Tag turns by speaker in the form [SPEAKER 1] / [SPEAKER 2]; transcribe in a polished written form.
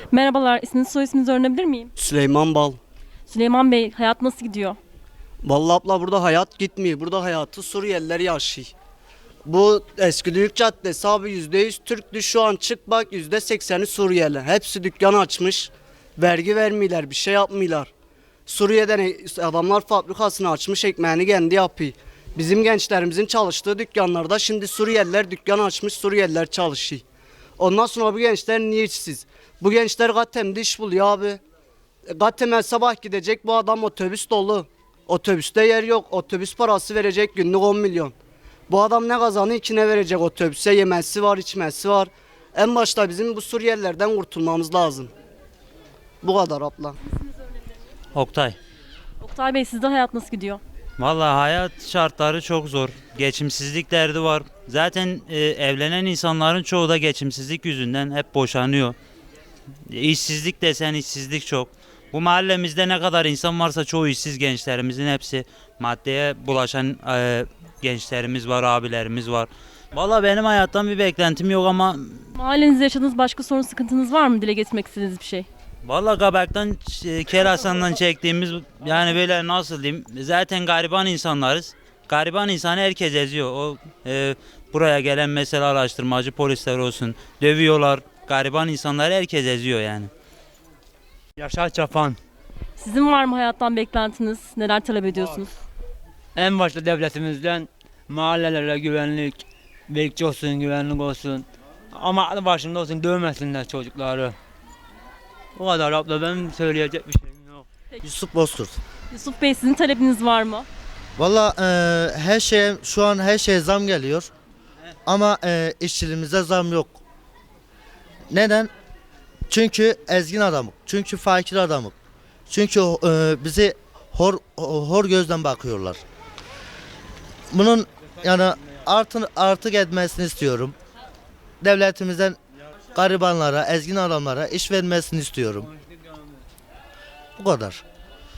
[SPEAKER 1] Merhabalar, isminizi soy isminizi öğrenebilir miyim?
[SPEAKER 2] Süleyman Bal.
[SPEAKER 1] Süleyman Bey, hayat nasıl gidiyor?
[SPEAKER 2] Vallahi abla burada hayat gitmiyor. Burada hayatı Suriyeliler yaşıyor. Bu eski Büyük Caddesi abi %100 Türk'tü, şu an çık bak %80'i Suriyeli. Hepsi dükkan açmış. Vergi vermiyorlar, bir şey yapmıyorlar. Suriye'den adamlar fabrikasını açmış, ekmeğini kendi yapıyor. Bizim gençlerimizin çalıştığı dükkanlarda şimdi Suriyeliler dükkan açmış, Suriyeliler çalışıyor. Ondan sonra bu gençler niye işsiz? Bu gençler Gatem'de iş buluyor abi. Gatem'e sabah gidecek, bu adam otobüs dolu. Otobüste yer yok. Otobüs parası verecek günlük 10 milyon. Bu adam ne kazanıyor ki ne verecek otobüse? Yemesi var, içmesi var. En başta bizim bu Suriyelilerden kurtulmamız lazım. Bu kadar abla.
[SPEAKER 3] Oktay.
[SPEAKER 1] Oktay Bey, sizde hayat nasıl gidiyor?
[SPEAKER 3] Vallahi hayat şartları çok zor. Geçimsizlik derdi var. Zaten evlenen insanların çoğu da geçimsizlik yüzünden hep boşanıyor. İşsizlik desen işsizlik çok. Bu mahallemizde ne kadar insan varsa çoğu işsiz, gençlerimizin hepsi maddeye bulaşan gençlerimiz var, abilerimiz var. Vallahi benim hayattan bir beklentim yok ama
[SPEAKER 1] Mahallenizde yaşadığınız başka sorun sıkıntınız var mı? Dile getirmek istediğiniz bir şey.
[SPEAKER 3] vallahi Kabak'tan, Kerasan'dan çektiğimiz yani böyle nasıl diyeyim, zaten gariban insanlarız. Gariban insanı herkes eziyor. Buraya gelen mesela araştırmacı polisler olsun dövüyorlar. Gariban insanları herkes eziyor yani.
[SPEAKER 4] Yaşar Çapan.
[SPEAKER 1] Sizin var mı hayattan beklentiniz? Neler talep ediyorsunuz?
[SPEAKER 4] En başta devletimizden mahallelere güvenlik, bekçi olsun, güvenlik olsun. Ama aklı başında olsun, dövmesinler çocukları. O kadar abla, benim söyleyecek bir şeyim yok.
[SPEAKER 5] Yusuf Bozkurt.
[SPEAKER 1] Yusuf Bey, sizin talebiniz var mı?
[SPEAKER 5] Valla her şeye şu an her şeye zam geliyor. Ama işçiliğimize zam yok. Neden? Çünkü ezgin adamık. Çünkü fakir adamık. Çünkü bizi hor gözden bakıyorlar. Bunun yani artık etmesini istiyorum. Devletimizden garibanlara, ezgin adamlara iş vermesini istiyorum. Bu kadar.